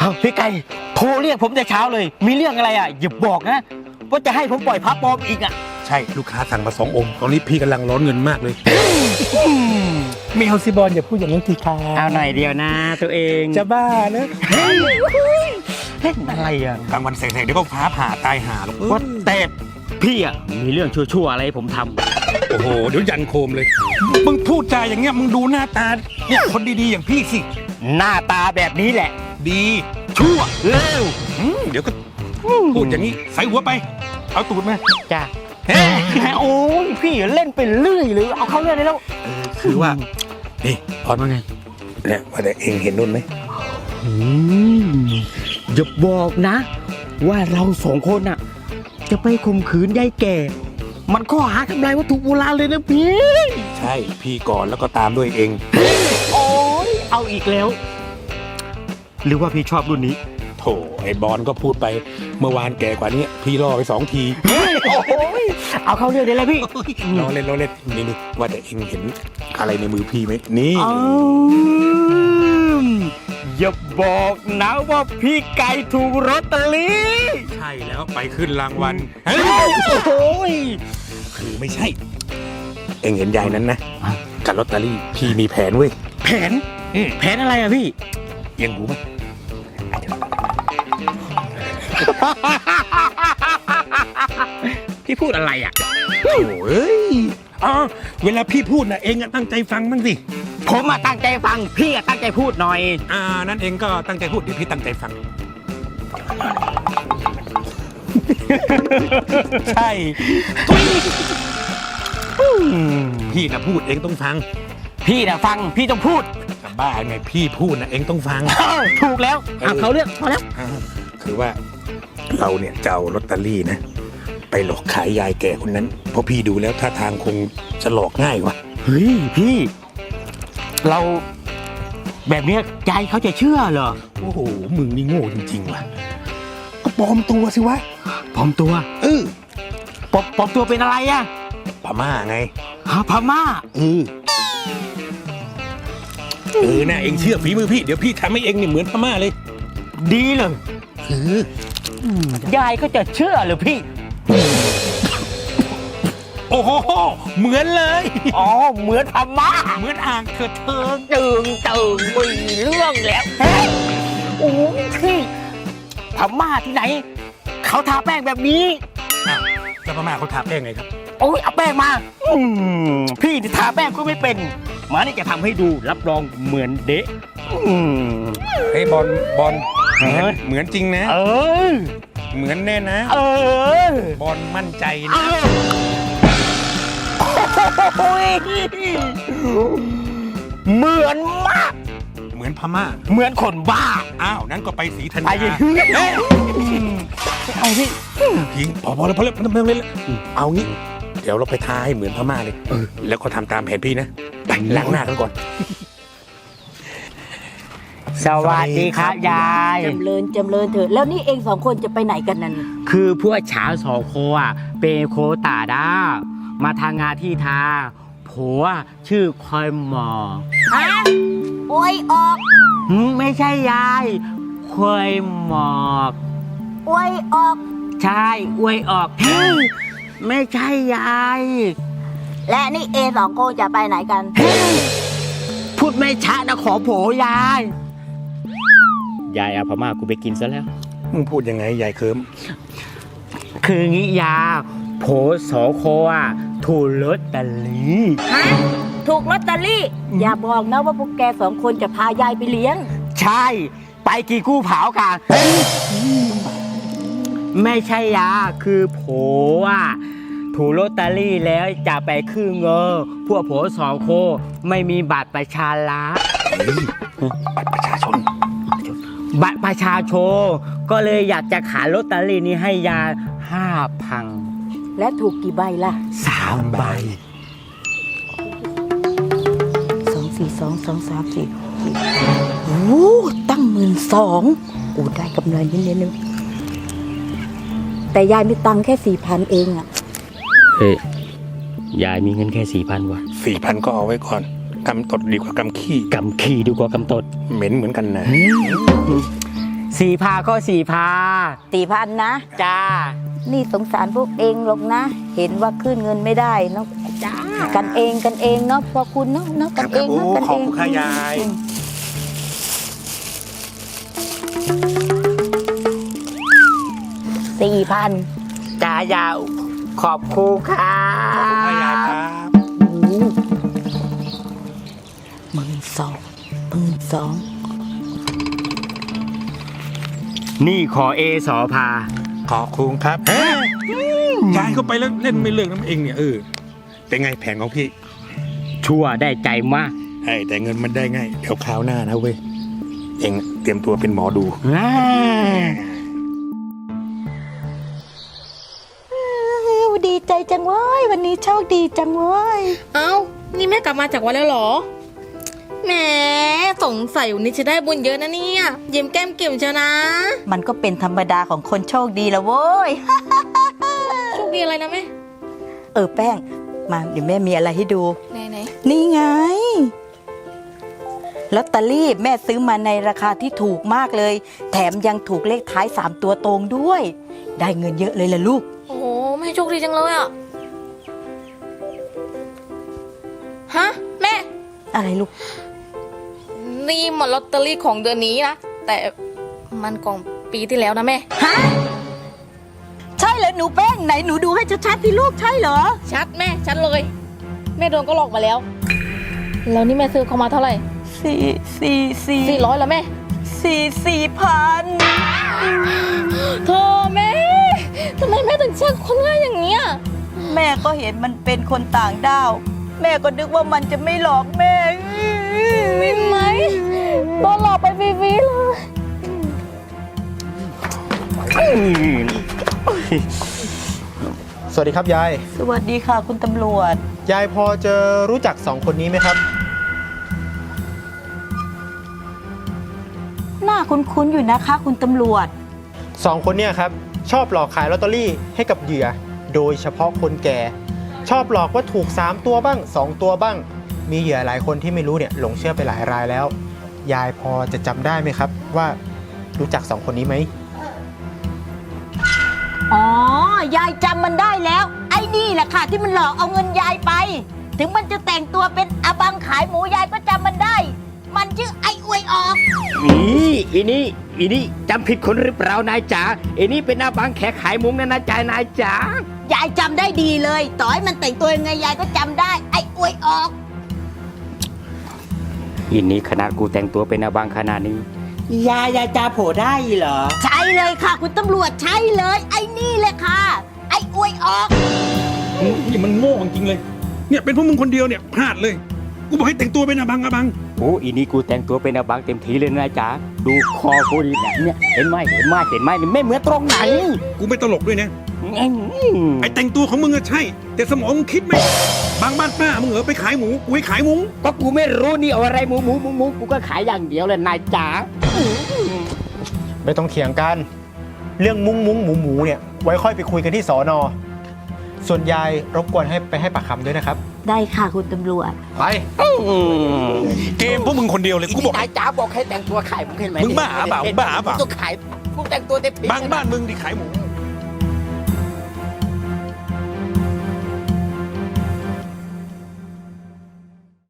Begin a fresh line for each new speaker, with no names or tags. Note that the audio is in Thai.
พี่ไก่โทรเรียกผมแต่เช้าเลยมีเรื่องอะไรอ่ะอย่าบอกนะว่าจะให้ผมปล่อยพระปลอมอีกอ่ะ
ใช่ลูกค้าสั่งมา2 องค์ตอนนี้พี่กำลังร้อนเงินมากเลยไม่เอาสิบอลอย่าพูดอย่างนั้นทีค่ะ
เอาหน่อยเดียวนะตัวเอง
จะบ้านะ
เล่นอะไรอ่ะ
กลางวันแสงๆเดี๋ยวก็ฟ้าผ่าตายห่าหรอก
ว่าแต่พี่อ่ะมีเรื่องชั่วๆอะไรให้ผมทำ
โอ้โหเดี๋ยวยันโคมเลยมึงพูดจาอย่างเงี้ยมึงดูหน้าตาเนี่ยคนดีๆอย่างพี่สิ
หน้าตาแบบนี้แหละ
ดี
ชั่วเร็ว
เดี๋ยวก็พูดอย่างนี้ใส่หัวไปเอาตูดมา
จ้าโอ้ยพี่เล่นไปเรื่อยหรือเอาเข้าเรื่องได้แล้ว
คือว่านี่พอดว่าไงเนี่ยว่าแต่เองเห็นนุ่นไหม
อย่าบอกนะว่าเรา2 คนอ่ะจะไปข่มขืนยายแก่มันข้อหาทำลายวัตถุโบราณเลยนะพี่
ใช่พี่ก่อนแล้วก็ตามด้วยเอง
โอ้ยเอาอีกแล้วหรือว่าพี่ชอบรุ่นนี้
โถไอ้บอลก็พูดไปเมื่อวานแก่กว่านี้พี่ล่อไป2 ที
เอาเข้าเรื่องได้แล้วพี่
ล้อเล่นนี่ว่าแต่เองเห็นอะไรในมือพี่ไหมนี่
อย่าบอกนะว่าพี่ไก่ถูกลอตเตอรี่
ใช่แล้วไปขึ้นรางวัลคือไม่ใช่เองเห็นยายนั้นนะกับลอตเตอรี่พี่มีแผนเว้ย
แผนอะไรอะพี่
ยังรู้ไหม
พี่พูดอะไรอ่ะ
โอ้ยเวลาพี่พูดนะเองตั้งใจฟังบ้างสิ
ผมตั้งใจฟังพี่ตั้งใจพูดหน่อย
นั่นเองก็ตั้งใจพูดเดี๋ยวพี่ตั้งใจฟังใช่พี่นะพูดเองต้องฟัง
พี่นะฟังพี่ต้องพูด
บ้าไงพี่พูดนะเองต้องฟัง
ถูกแล้วเขาเรื่องพอแล้ว
คือว่าเราเนี่ยจะเอาลอตเตอรี่นะไปหลอกขายยายแก่คนนั้นเพราะพี่ดูแล้วท่าทางคงจะหลอกง่ายว่ะ
เฮ้ยพี่เราแบบนี้ยายเขาจะเชื่อเหรอ
โอ้โหมึงนี่โง่จริงๆว่ะก็ปลอมตัวสิวะ
ปลอมตัวปลอมตัวเป็นอะไรอะ
พม่าไง
พม่า
นะเองเชื่อฝีมือพี่เดี๋ยวพี่ทำให้เองนี่เหมือนพม่าเลย
ดีเลยยายก็จะเชื่อหรือพี่
โอ้โหเหมือนเลย
เหมือนพม่า
เหมือนอ่างเถิดเทิง
ตึงมีเรื่องแล้วโอ้ยพี่พม่าที่ไหนเขาทาแป้งแบบนี้
แล้วพม่าเขาทาแป้งไงครับ
โอ้ยเอาแป้งมาพี่ทาแป้งก็ไม่เป็นมานี่จะทำให้ดูรับรองเหมือนเดะ
เฮ้ยบอลเหมือนจริงนะเหมือนแน่นะบอลมั่นใจนะ
เหมือนมาก
เหมือนพม่า
เหมือนคนบ้า
นั้นก็ไปศรีธัญญา
เอาพี่
ยิงพอแล้วเอางี้เดี๋ยวเราไปทาให้เหมือนพม่าเลยแล้วก็ทำตามแผนพี่นะไปล้างหน้ากันก่อน
สวัสดีครับยาย
จำเริญเถอะแล้วนี่เอง2 คนจะไปไหนกันนั่น
คือพวกฉา2 โคเป็นโคตาด้ามาทางงานที่ทาผัวชื่อคอยหมอ
โอ้ยออก
ไม่ใช่ยายคอยหมอก
โอ้ยออก
ใช่อวยออกไม่ใช่ยาย
และนี่2 คนจะไปไหนกัน
พูดไม่ชัดนะขอโผยายเอาพม่ากูไปกินซะแล้ว
มึงพูดยังไงยายเคิม
คืองี้ยาโผ2 โคถูกลอตเตอรี่
ถูกลอตเตอรี่อย่าบอกนะว่าพวกแก2 คนจะพายายไปเลี้ยง
ใช่ไปกี่กู้เผากันไม่ใช่ยาคือโผถูกลอตเตอรี่แล้วจะไปขึ้นเงินพวกโผ2 โคไม่มีบัตรประชาชน
บัตรประชาชน
ก็เลยอยากจะขายลอตเตอรี่นี้ให้ยา 5,000
และถูกกี่ใบล่ะ
3 ใบ
2 4 2 2 3 4โอ้ตั้ง12,000โอ้ได้กำไรเยอะๆนึงแต่ยายมีตังค์แค่ 4,000 เอง
ยายมีเงินแค่ 4,000 วะ
4,000 ก็เอาไว้ก่อนกำตดดีกว่ากำขี้
ดีกว่ากำตด
เหม็นเหมือนกันนะ
4,000ก็4,000
4,000นะ
จ้า
นี่สงสารพวกเองหรอกนะ เห็นว่าขึ้นเงินไม่ได้เนาะ
จ้า
กันเองเนาะพอคุณเนาะกันเองเนาะกัน
ขอบ
เอง
คุณค่ะยาย
4,000
จ้ายาวขอบคุณค่ะ
ขอบคุณค่ะยายครับ
12,000
นี่ขอเอสอพา
ขอบคุณครับยายเข้าไปแล้วเล่นไม่เลิกน้ำเองเนี่ยเป็นไงแผนของพี่
ชั่วได้ใจมาก
แต่เงินมันได้ง่ายเดี๋ยวคราวหน้านะเว้ยเองเตรียมตัวเป็นหมอดู
ดีใจจังเว้ยวันนี้โชคดีจังเว้ย
เอ้า นี่แม่กลับมาจากวัดแล้วเหรอ แหม สงสัยวันนี้จะได้บุญเยอะนะเนี่ยยิ้มแก้มเก่มเชียวนะ
มันก็เป็นธรรมดาของคนโชคดีละเว้ย
โชคดีอะไรนะแม่
แป้ง มาเดี๋ยวแม่มีอะไรให้ดู
ไหน
นี่ไงลอตเตอรี่แม่ซื้อมาในราคาที่ถูกมากเลย แถมยังถูกเลขท้าย3 ตัวตรงด้วย ได้เงินเยอะเลยล่ะลูก
โอ้โหแม่โชคดีจังเลยอ่ะ ฮะ แม่
อะไรลูก
นี่มันลอตเตอรี่ของเดือนนี้นะ แต่มันของปีที่แล้วนะแม่
ฮะ ใช่เหรอหนูแป้งไหนหนูดูให้ชัดๆที่ลูกใช่เหรอ
ชัดแม่ ชัดเลย แม่โดนก็หลอกมาแล้ว แล้วนี่แม่ซื้อเขามาเท่าไหร่ 400แล้วแม่
4,000
โธ่แม่ทำไมแม่ถึงเชื่อคนง่ายอย่างเงี้ย
แม่ก็เห็นมันเป็นคนต่างด้าว แม่ก็นึกว่ามันจะไม่หลอกแม่
มินไหมโดนหลอกไปฟรีๆเลย
สวัสดีครับยาย
สวัสดีค่ะคุณตำรวจ
ยายพอจะรู้จักสองคนนี้ไหมครับ
หน้าคุ้นๆอยู่นะคะคุณตำรวจ
สองคนเนี่ยครับชอบหลอกขายลอตเตอรี่ให้กับเหยื่อ โดยเฉพาะคนแก่ ชอบหลอกว่าถูก3ตัวบ้าง2ตัวบ้าง มีเหยื่อหลายคนที่ไม่รู้เนี่ยหลงเชื่อไปหลายรายแล้ว ยายพอจะจำได้ไหมครับว่ารู้จักสองคนนี้ไหม
อ๋อ ยายจำมันได้แล้ว ไอ้นี่แหละค่ะที่มันหลอกเอาเงินยายไป ถึงมันจะแต่งตัวเป็นอบังขายหมูยายก็จำมันได้ มันชื่อไอ้อวยออก
อีนี่จำผิดคนหรือเปล่านายจ๋าอีนี่เป็นหน้าบังแขกขายมุ้งนะนะจ๊ะนายจ๋าย
ายจำได้ดีเลย ต่อให้มันแต่งตัวยังไงยายก็จำได้ ไอ้อวยออก
อีนี่ขนาดกูแต่งตัวเป็นหน้าบังขนาดนี้ยายาจาโผได้เหรอ
ใช่เลยค่ะ คุณตำรวจใช่เลย ไอ้นี่เลยค่ะ ไอ้อวยออก
นี่มันโง่จริงเลย เนี่ยเป็นพวกมึงคนเดียวเนี่ยพลาดเลย กูบอกให้แต่งตัวเป็นอบัง
โอ้อีนี่กูแต่งตัวเป็นหน้าบังเต็มทีเลยนะจ๊ะดูคอกูดิเนี่ยเห็นไหมนี่ไม่เหมือนตรงไหน
กูไม่ตลกด้วยนะ ไอ้แต่งตัวของมึงอะใช่ แต่สมองมึงคิดไหมบางบ้านป้ามึงเหรอไปขายหมู กูให้ขายหมู
ก็กูไม่รู้นี่เอาอะไรหมูกูก็ขายอย่างเดียวเลยนายจ๋า
ไม่ต้องเถียงกัน เรื่องมุ้งหมูเนี่ยไว้ค่อยไปคุยกันที่สอนอส่วนยายรบกวนให้ไปให้ปากคำด้วยนะครับ
ได้ค่ะคุณตำรวจ
ไป
เกมพวกมึงคนเดียวเลย กูบอก
นายจ๋าบอกให้แต่งตัวขายมึงเห็นไหม
มึงบ้าเปล่า
กูต้องขายกูแต่งตัวเต็มที่
บางบ้านมึงดิขายหมู